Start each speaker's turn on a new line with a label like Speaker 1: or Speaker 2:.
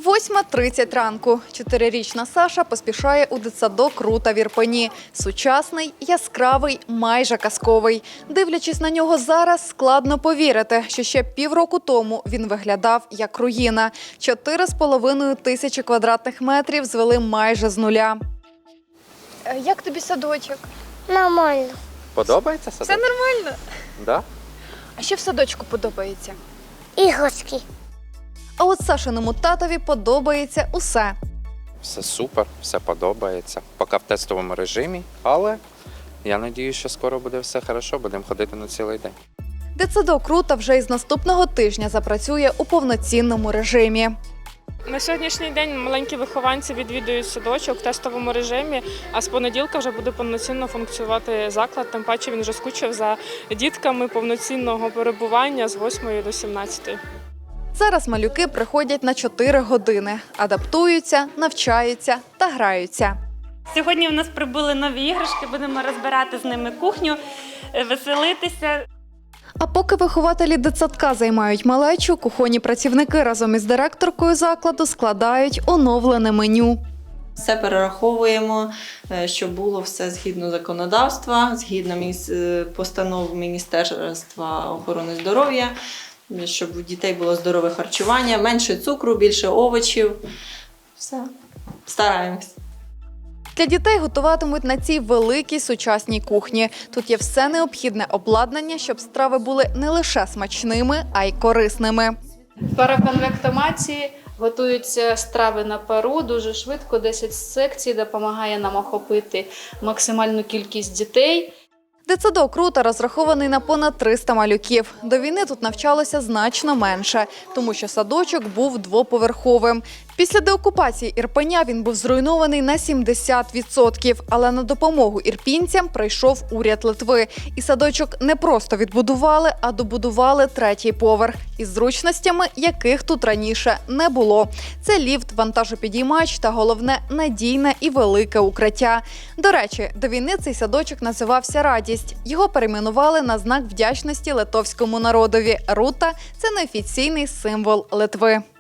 Speaker 1: 8:30 ранку. 4-річна Саша поспішає у дитсадок Рута в Ірпені. Сучасний, яскравий, майже казковий. Дивлячись на нього зараз, складно повірити, що ще півроку тому він виглядав як руїна. 4,5 тисячі квадратних метрів звели майже з нуля. Як тобі садочок?
Speaker 2: Нормально.
Speaker 3: Подобається садок?
Speaker 1: Все нормально.
Speaker 3: Да?
Speaker 1: А що в садочку подобається?
Speaker 2: Іграшки.
Speaker 1: А от Сашиному татові подобається усе.
Speaker 3: Все супер, все подобається. Поки в тестовому режимі, але я сподіваюся, що скоро буде все добре, будемо ходити на цілий день.
Speaker 1: Дитсадок Рута вже із наступного тижня запрацює у повноцінному режимі.
Speaker 4: На сьогоднішній день маленькі вихованці відвідують садочок в тестовому режимі, а з понеділка вже буде повноцінно функціонувати заклад. Тим паче він вже скучив за дітками повноцінного перебування з 8 до 17.
Speaker 1: Зараз малюки приходять на 4 години, адаптуються, навчаються та граються.
Speaker 5: Сьогодні у нас прибули нові іграшки, будемо розбирати з ними кухню, веселитися.
Speaker 1: А поки вихователі дитсадка займають малечу, кухонні працівники разом із директоркою закладу складають оновлене меню.
Speaker 6: Все перераховуємо, щоб було все згідно законодавства, згідно постанов Міністерства охорони здоров'я, щоб у дітей було здорове харчування, менше цукру, більше овочів. Все, стараємось.
Speaker 1: Для дітей готуватимуть на цій великій сучасній кухні. Тут є все необхідне обладнання, щоб страви були не лише смачними, а й корисними.
Speaker 7: В пароконвектоматі готуються страви на пару дуже швидко, 10 секцій допомагає нам охопити максимальну кількість дітей.
Speaker 1: Дитсадок Рута розрахований на понад 300 малюків. До війни тут навчалося значно менше, тому що садочок був двоповерховим. Після деокупації Ірпеня він був зруйнований на 70%, але на допомогу ірпінцям прийшов уряд Литви. І садочок не просто відбудували, а добудували 3-й поверх із зручностями, яких тут раніше не було. Це ліфт, вантажопідіймач та, головне, надійне і велике укриття. До речі, до війни цей садочок називався «Радість». Його перейменували на знак вдячності литовському народові. Рута – це неофіційний символ Литви.